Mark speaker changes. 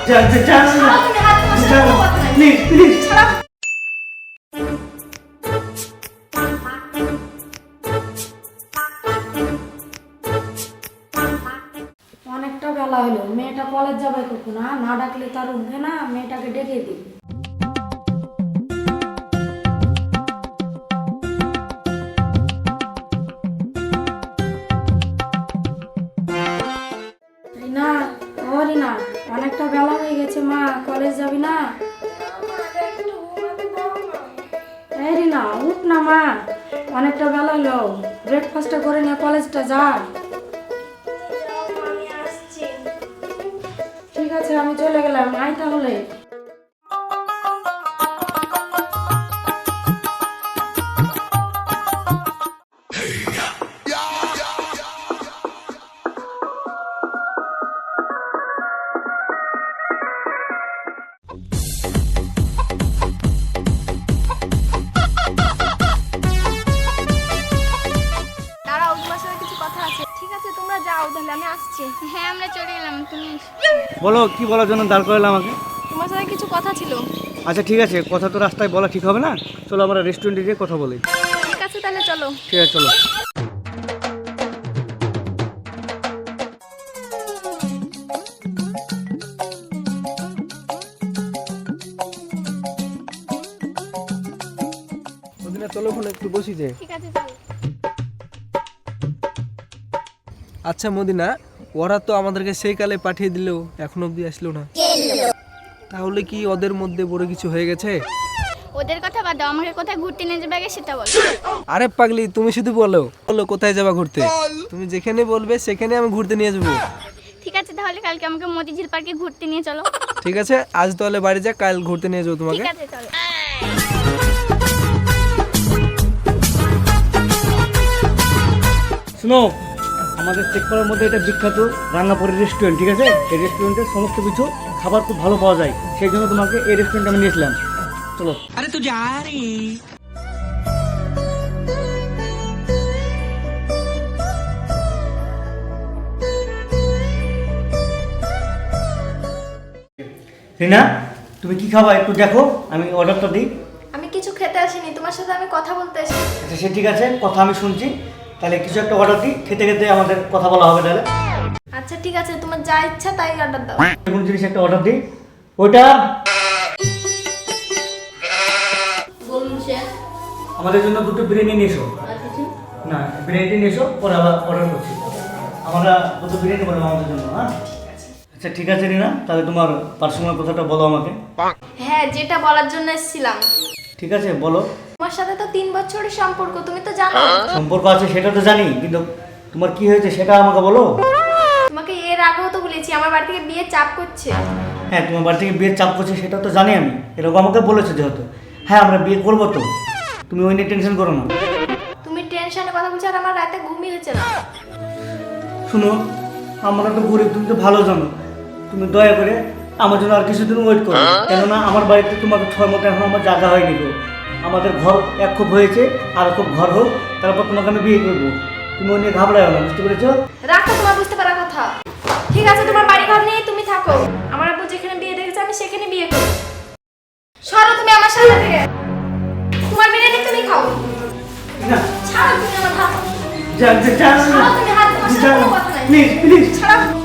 Speaker 1: ছাড়াও তুমি হাত, তোমার সাথে কোনো কথা নাই।
Speaker 2: প্লিজ প্লিজ
Speaker 1: ছাড়াও।
Speaker 3: অনেকটা বেলা হলো, মেয়েটা কলেজ যাবে কখন? না ডাকলে তার উঠবে না, মেয়েটাকে ডেকে দিই। রিনা, ও রিনা, অনেকটা বেলা হয়ে গেছে মা, কলেজ যাবি না? এই রিনা, উঠ না মা, অনেকটা বেলা হলো, ব্রেকফাস্টটা করে নিয়ে কলেজটা যা। ঠিক আছে, আমি চলে গেলাম, আয় তাহলে।
Speaker 1: দাঁড়াও, তোমার সাথে কিছু কথা আছে। ঠিক আছে, তোমরা যাও তাহলে, আমি আসছি। হ্যাঁ, আমরা চলে গেলাম, তুমি
Speaker 2: বলো, কি বলার জন্য দাঁড় করালে আমাকে?
Speaker 1: তোমার সাথে কিছু কথা ছিল।
Speaker 2: আচ্ছা ঠিক আছে, কথা তো রাস্তায় বলা ঠিক হবে না, চলো আমরা রেস্টুরেন্টে গিয়ে কথা বলি।
Speaker 1: ঠিক আছে, তাহলে চলো।
Speaker 2: ঠিক আছে চলো। চলো ওখানে একটু বসি যে।
Speaker 1: ঠিক আছে, চলো।
Speaker 4: আচ্ছা মদিনা, ওরা তো আমাদেরকে সেই কালে পাঠিয়ে দিলেও এখন অবধি আসলো না, তাহলে কি ওদের মধ্যে বড় কিছু হয়ে গেছে?
Speaker 1: ওদের কথা বাদ দাও, আমাকে কোথায় ঘুরতে নিয়ে যাবে আগে সেটা বলো।
Speaker 4: আরে পাগলি, তুমি শুধু বলো বলো কোথায় যাবা ঘুরতে, তুমি যেখানে বলবে সেখানে আমি ঘুরতে নিয়ে যাবো।
Speaker 1: ঠিক আছে, তাহলে কালকে আমাকে মতিঝিল পার্কে ঘুরতে নিয়ে চলো।
Speaker 4: ঠিক আছে, আজ তাহলে বাড়ি যা, কাল ঘুরতে নিয়ে যাবো তোমাকে।
Speaker 1: ঠিক আছে, চলো।
Speaker 2: শুনো, আমাদের চেকপাড়ার মধ্যে এটা বিখ্যাত রাঙ্গাপুরি রেস্টুরেন্ট, ঠিক আছে? এই রেস্টুরেন্টের সমস্ত কিছু খাবার খুব ভালো পাওয়া যায়, সেই জন্য তোমাকে এই রেস্টুরেন্টে আমি নিয়েছিলাম। চলো। আরে তুই যা রে। রিনা, তুমি কি খাবা একটু দেখো, আমি অর্ডারটা দিই।
Speaker 1: আমি কিছু খেতে আসিনি, তোমার সাথে আমি কথা বলতে এসেছি।
Speaker 2: আচ্ছা সে ঠিক আছে, কথা আমি শুনছি, তাহলে কিছু একটা অর্ডার দিই, খেতে খেতে আমাদের কথা বলা হবে তাহলে।
Speaker 1: আচ্ছা ঠিক আছে, তোমার যা ইচ্ছা তাই অর্ডার দাও।
Speaker 2: কোন জিনিস একটা অর্ডার দিই, ওইটা
Speaker 3: বলুন স্যার।
Speaker 2: আমাদের জন্য দুটো বিরিয়ানি নিয়ে এসো। না, বিরিয়ানি নিয়ে এসো, পরে আবার অর্ডার করছি। আমরা দুটো বিরিয়ানি বানাবো আমাদের জন্য, হ্যাঁ? আচ্ছা ঠিক আছে রিনা, তাহলে তোমার পার্সোনাল কথাটা বলো আমাকে।
Speaker 1: হ্যাঁ, যেটা বলার জন্য এসেছিলাম।
Speaker 2: ঠিক আছে বলো।
Speaker 1: তোমার সাথে তো 3 বছরের সম্পর্ক, তুমি তো জানো।
Speaker 2: সম্পর্ক আছে সেটা তো জানি, কিন্তু তোমার কি হয়েছে সেটা আমাকে বলো।
Speaker 1: তোমাকে এর আগেও তো বলেছি আমার বাড়ি থেকে বিয়ে চাপ করছে।
Speaker 2: হ্যাঁ, তোমার বাড়ি থেকে বিয়ের চাপ করছে সেটা তো জানি আমি, এরকম আমাকে বলেছো যেহেতু। হ্যাঁ, আমরা বিয়ে করবো তো, তুমি ওই নিয়ে টেনশন করো না।
Speaker 1: তুমি টেনশনে কথা বলছো আর আমার রাতে ঘুমই হচ্ছে না।
Speaker 2: শুনো, আমরা তো গরিব, তুমি তো ভালো জানো, তুমি দয়া করে আমার জন্য আর কিছুদিন ওয়েট করো, কেননা আমার বাড়িতে তোমাকে 6 মতো এখন আমার জায়গা হয়নি গো। আমাদের ঘর এক খুব হয়েছে, আর খুব ঘর হোক, তারপর তোমাকে আমি বিয়ে করবো। তুমি ওই নিয়ে ঘাবড়াও না, বুঝতে পেরেছো?
Speaker 1: রাখো তোমার বুঝতে পারার কথা। ঠিক আছে, তোমার বাড়ি ঘর নিয়ে তুমি থাকো, আমার আব্বু যেখানে বিয়ে দেখেছে আমি সেখানে বিয়ে করব। সরো তুমি আমার সামনে থেকে, তোমার বিরিয়ানি তুমি খাও।
Speaker 2: না,
Speaker 1: ছাড়ো তুমি আমার হাত।
Speaker 2: যা যা যা,
Speaker 1: ছাড়ো তুমি হাত, তোমার সাথে কোনো কথা নাই।
Speaker 2: Please please.
Speaker 1: ছাড়ো।